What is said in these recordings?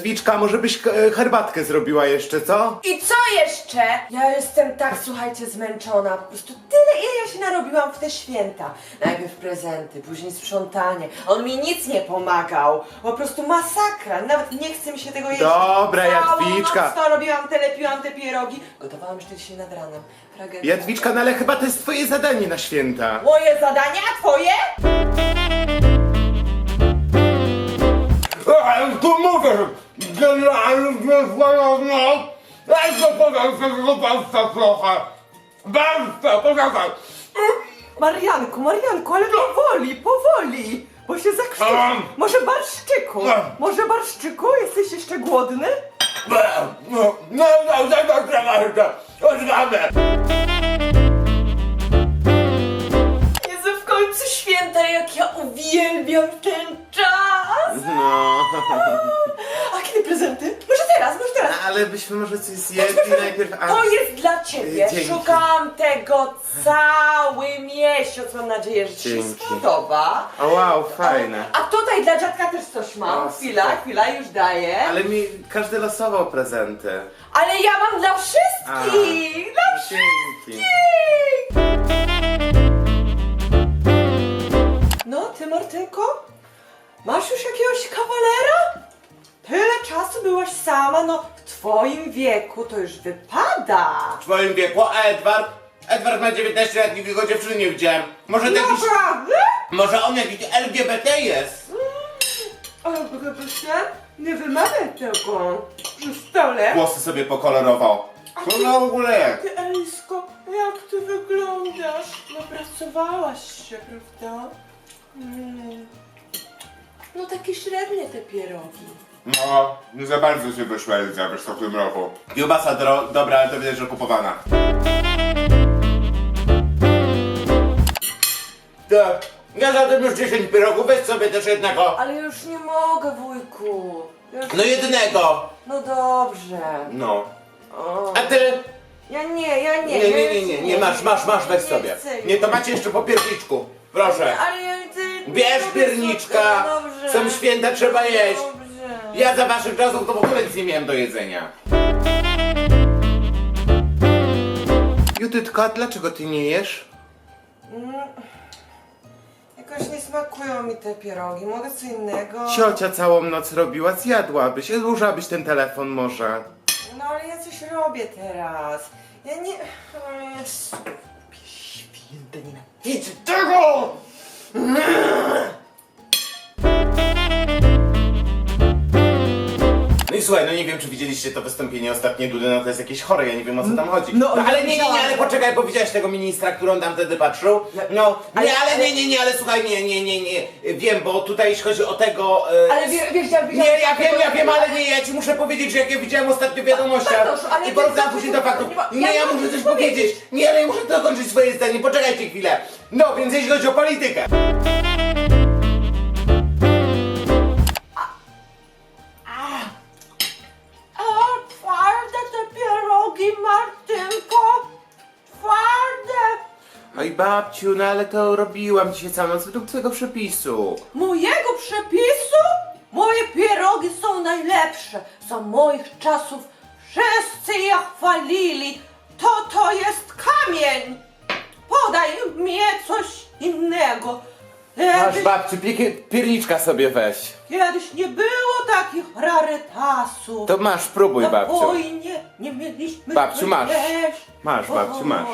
Jadwiczka, może byś herbatkę zrobiła jeszcze, co? I co jeszcze? Ja jestem tak, słuchajcie, zmęczona. Po prostu tyle, ile ja się narobiłam w te święta. Najpierw prezenty, później sprzątanie. On mi nic nie pomagał. Po prostu masakra. Nawet nie chce mi się tego jeść. Dobra, Jadwiczka. Całą noc to robiłam, lepiłam te pierogi. Gotowałam jeszcze dzisiaj nad ranem. Tragedia. Jadwiczka, no ale chyba to jest twoje zadanie na święta. Moje zadania, a twoje? Tu mówię, że generalnie zwolona. Daj to podam tego państwa trochę. Państwa, poczekaj. Marianku, ale powoli, bo się zakrzyczy. Może barszczyku? Może barszczyku? Jesteś jeszcze głodny? No, odwamy. Jezu, w końcu święta, jak ja uwielbiam ten czas! No. A kiedy prezenty? Może teraz. Ale byśmy może coś zjedli najpierw, a... To jest dla ciebie. Dzięki. Szukałam tego cały miesiąc. Mam nadzieję, że ci się Dzięki. spodoba. O wow, fajne. A tutaj dla dziadka też coś mam. O, Chwila, już daję. Ale mi każdy losował prezenty. Ale ja mam dla wszystkich! Dla Dzięki. No, ty Martynko? Masz już jakiegoś kawalera? Tyle czasu byłaś sama, no w twoim wieku to już wypada. W twoim wieku, a Edward ma 19 lat, nigdy go dziewczyny nie widziałem. Może to jakiś... Naprawdę? Może on jakiś LGBT jest? Ale się nie wymawiaj tego przy stole. Włosy sobie pokolorował. Co to w ogóle jest? Ty, Elisko, jak ty wyglądasz? Napracowałaś się, prawda? No takie średnie te pierogi. No, nie za bardzo się wyszła Elizabeth w tym roku. Kiełbasa dobra, ale to widać, że kupowana. Tak, ja za tym już 10 pierogów, weź sobie też jednego. Ale już nie mogę, wujku. Już... No jednego. No dobrze. No. O. A ty? Ja nie. Nie, masz, weź sobie. Nie, to macie jeszcze po pierniczku. Proszę. Ale ja Bierz pierniczka. Są święta, trzeba jeść. Dobrze. Ja za waszych czasów to w ogóle nic nie miałem do jedzenia. Judytka, dlaczego ty nie jesz? Jakoś nie smakują mi te pierogi. Mogę co innego? Ciocia całą noc robiła, zjadłabyś, odłożyłabyś ten telefon może. No ale ja coś robię teraz. Ja nie... O Jezu. Święte, nienawidzę tego! No i słuchaj, no nie wiem, czy widzieliście to wystąpienie ostatnie Dudy, no to jest jakieś chore, ja nie wiem, o co tam chodzi. No, ale ja nie, widziałam. ale poczekaj, bo widziałeś tego ministra, który on tam wtedy patrzył? No, nie, ale słuchaj, nie, wiem, bo tutaj jeśli chodzi o tego... Ale wiesz, Nie, ja wiem, ale nie, ja ci muszę powiedzieć, że jak ja widziałem ostatnio w wiadomościach Bartosz, ale i ty porównam zawsze później do faktów. ja Nie, ja muszę muszę coś coś powiedzieć. powiedzieć. Nie, ale ja muszę dokończyć swoje zdanie, poczekajcie chwilę. No, więc jeśli chodzi o politykę. O, twarde te pierogi, Martynko! Twarde! Oj babciu, no ale to robiłam dzisiaj całą noc według twojego przepisu. Mojego przepisu? Moje pierogi są najlepsze. Za moich czasów wszyscy je chwalili. To jest kamień. Podaj mnie coś innego. Masz babciu, pierniczka sobie weź. Kiedyś nie było takich rarytasów. To masz, próbuj Na babciu. wojnie nie mieliśmy Babciu, masz. jeść. Masz babciu, masz.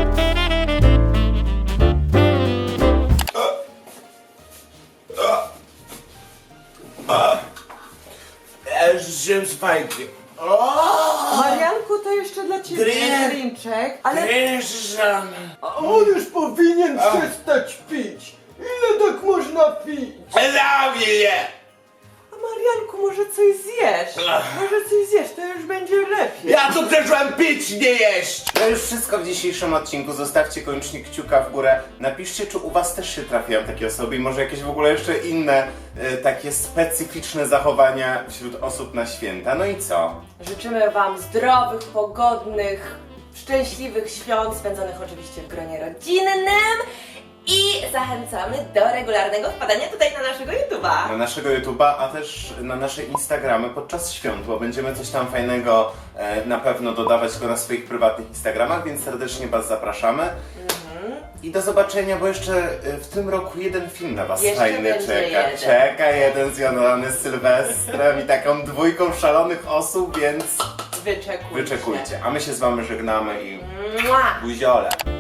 Żem spajki. Marianku, to jeszcze dla ciebie Gry- drinczek, ale... Gryżan. On już powinien przestać pić. Ile tak można pić? Zabij A Marianku, może coś zjesz? Może coś zjesz, to już będzie lepiej. Ja tu przyszłem pić, nie jeść! To już wszystko w dzisiejszym odcinku. Zostawcie koniecznie kciuka w górę. Napiszcie, czy u was też się trafiają takie osoby i może jakieś w ogóle jeszcze inne takie specyficzne zachowania wśród osób na święta. No i co? Życzymy wam zdrowych, pogodnych, szczęśliwych świąt, spędzonych oczywiście w gronie rodzinnym I zachęcamy do regularnego wpadania tutaj na naszego YouTube'a. Na naszego YouTube'a, a też na nasze Instagramy podczas świąt, bo będziemy coś tam fajnego na pewno dodawać go na swoich prywatnych Instagramach, więc serdecznie Was zapraszamy. I do zobaczenia, bo jeszcze w tym roku jeden film na Was Jeszcze fajny będzie czeka. jeden. Czeka jeden związany z Sylwestrem i taką dwójką szalonych osób, więc Wyczekujcie. wyczekujcie. A my się z Wami żegnamy i Mua! buziole.